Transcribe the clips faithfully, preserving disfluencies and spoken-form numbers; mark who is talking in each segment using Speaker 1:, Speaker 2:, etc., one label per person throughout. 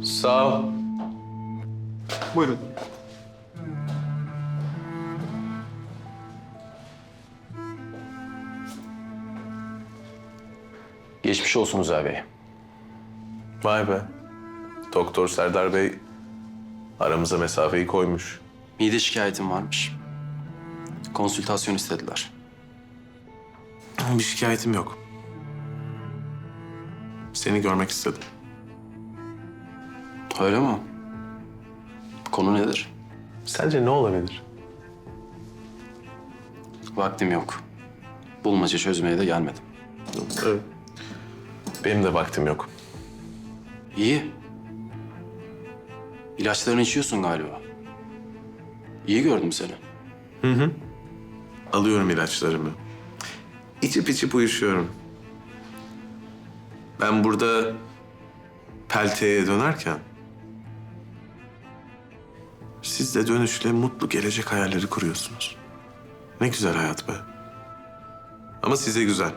Speaker 1: Sağ ol.
Speaker 2: Buyurun.
Speaker 1: Geçmiş olsun Uzay Bey.
Speaker 3: Vay be. Doktor Serdar Bey aramıza mesafeyi koymuş.
Speaker 1: Mide şikayetim varmış. Konsültasyon istediler.
Speaker 3: Bir şikayetim yok. Seni görmek istedim.
Speaker 1: Öyle mi? Konu nedir?
Speaker 3: Sence ne olabilir?
Speaker 1: Vaktim yok. Bulmaca çözmeye de gelmedim.
Speaker 3: Evet. Benim de vaktim yok.
Speaker 1: İyi. İlaçlarını içiyorsun galiba. İyi gördüm seni.
Speaker 3: Alıyorum ilaçlarımı. İçip içip uyuşuyorum. Ben burada pelteye dönerken siz de dönüşle mutlu gelecek hayalleri kuruyorsunuz. Ne güzel hayat be. Ama size güzel.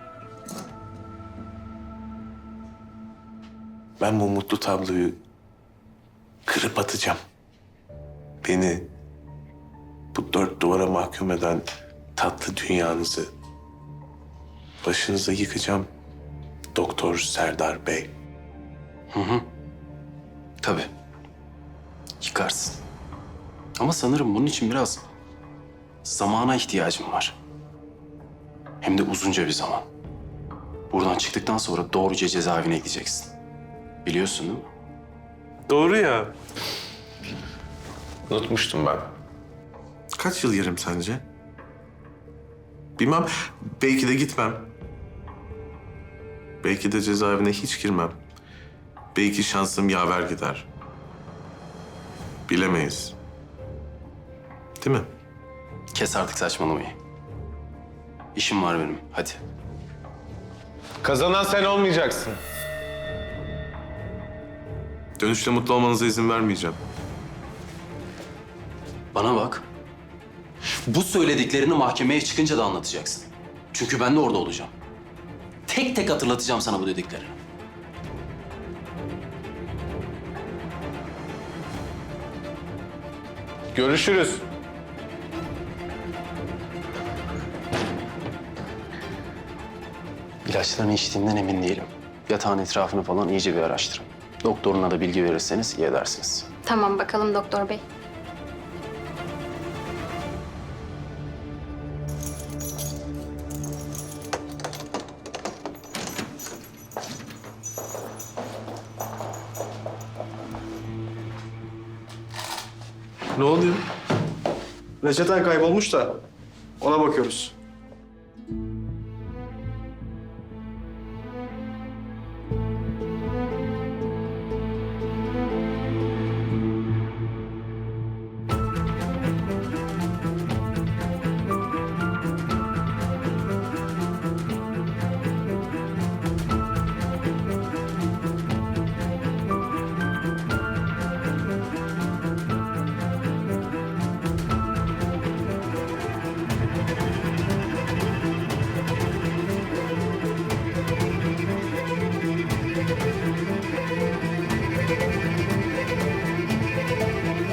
Speaker 3: Ben bu mutlu tabloyu kırıp atacağım. Beni bu dört duvara mahkum eden tatlı dünyanızı başınıza yıkacağım Doktor Serdar Bey.
Speaker 1: Tabii. Yıkarsın. Ama sanırım bunun için biraz zamana ihtiyacım var. Hem de uzunca bir zaman. Buradan çıktıktan sonra doğruca cezaevine gideceksin. Biliyorsun değil mi?
Speaker 3: Doğru ya. Unutmuştum ben. Kaç yıl yerim sence? Bilmem. Belki de gitmem. Belki de cezaevine hiç girmem. Belki şansım yaver gider. Bilemeyiz. Değil mi?
Speaker 1: Kes artık saçmalamayı. İşim var benim. Hadi.
Speaker 2: Kazanan sen olmayacaksın.
Speaker 3: Dönüşte mutlu olmanıza izin vermeyeceğim.
Speaker 1: Bana bak. Bu söylediklerini mahkemeye çıkınca da anlatacaksın. Çünkü ben de orada olacağım. Tek tek hatırlatacağım sana bu dediklerini.
Speaker 2: Görüşürüz.
Speaker 1: İlaçlarını içtiğinden emin değilim. Yatağın etrafını falan iyice bir araştırın. Doktoruna da bilgi verirseniz iyi edersiniz.
Speaker 4: Tamam bakalım doktor bey.
Speaker 3: Ne oluyor?
Speaker 2: Reçeten kaybolmuş da ona bakıyoruz.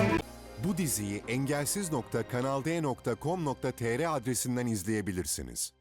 Speaker 5: Bu diziyi engelsiz nokta kanal d nokta com nokta tr adresinden izleyebilirsiniz.